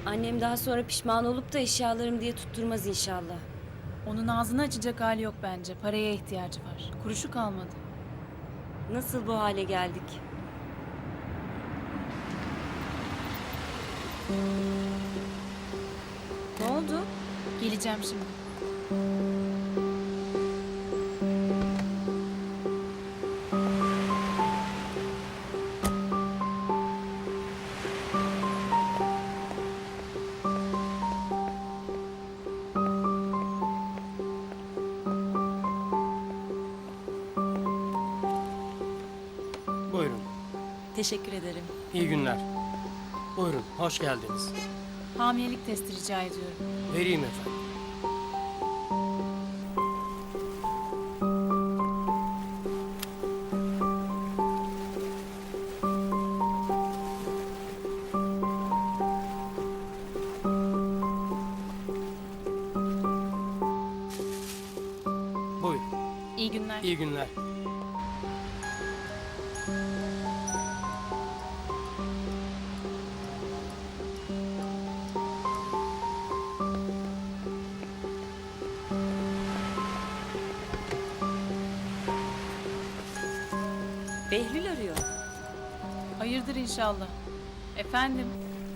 Annem daha sonra pişman olup da eşyalarım diye tutturmaz inşallah. Onun ağzını açacak hali yok bence. Paraya ihtiyacı var. Kuruşu kalmadı. Nasıl bu hale geldik? Ne oldu? Geleceğim şimdi. Buyurun. Teşekkür ederim. İyi günler. Buyurun. Hoş geldiniz. Hamilelik testi rica ediyorum. Vereyim efendim. Buyurun. İyi günler. İyi günler. Behlül arıyor. Hayırdır inşallah. Efendim.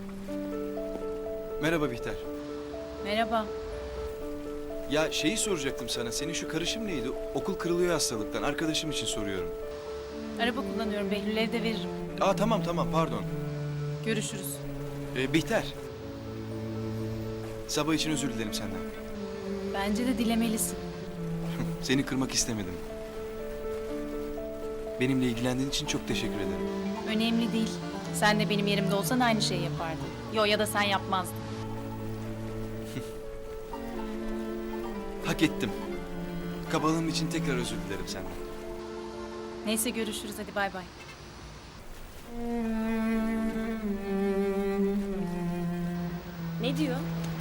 Merhaba Bihter. Merhaba. Ya şeyi soracaktım sana. Senin şu karışım neydi? Okul kırılıyor hastalıktan. Arkadaşım için soruyorum. Araba kullanıyorum. Behlül'e de veririm. Aa tamam pardon. Görüşürüz. Bihter. Sabah için özür dilerim senden. Bence de dilemelisin. Seni kırmak istemedim. Benimle ilgilendiğin için çok teşekkür ederim. Önemli değil. Sen de benim yerimde olsan aynı şeyi yapardın. Yo, ya da sen yapmazdın. Hak ettim. Kabalığım için tekrar özür dilerim senden. Neyse, görüşürüz, hadi bay bay. Ne diyor?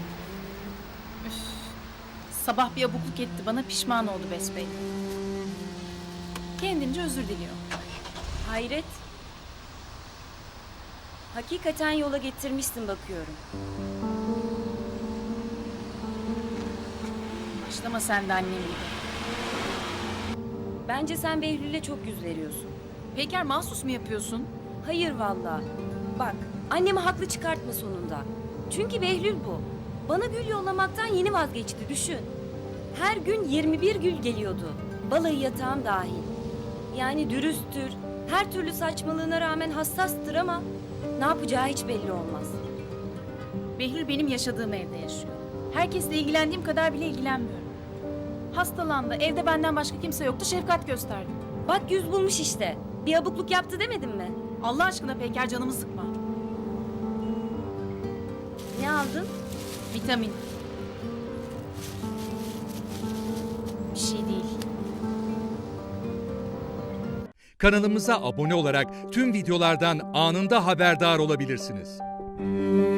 Sabah bir abukluk etti bana, pişman oldu besbelli. Kendince özür diliyor. Hayret. Hakikaten yola getirmişsin bakıyorum. Başlama sen de annem gibi. Bence sen Behlül'e çok yüz veriyorsun. Peyker, mahsus mu yapıyorsun? Hayır vallahi. Bak, annemi haklı çıkartma sonunda. Çünkü Behlül bu. Bana gül yollamaktan yeni vazgeçti, düşün. Her gün 21 gül geliyordu. Balayı yatağım dahil. Yani dürüsttür, her türlü saçmalığına rağmen hassastır ama ne yapacağı hiç belli olmaz. Behlül benim yaşadığım evde yaşıyor. Herkesle ilgilendiğim kadar bile ilgilenmiyorum. Hastalandı, evde benden başka kimse yoktu, şefkat gösterdim. Bak yüz bulmuş işte. Bir abukluk yaptı demedim mi? Allah aşkına Peyker, canımı sıkma. Ne aldın? Vitamin. Bir şey değil. Kanalımıza abone olarak tüm videolardan anında haberdar olabilirsiniz.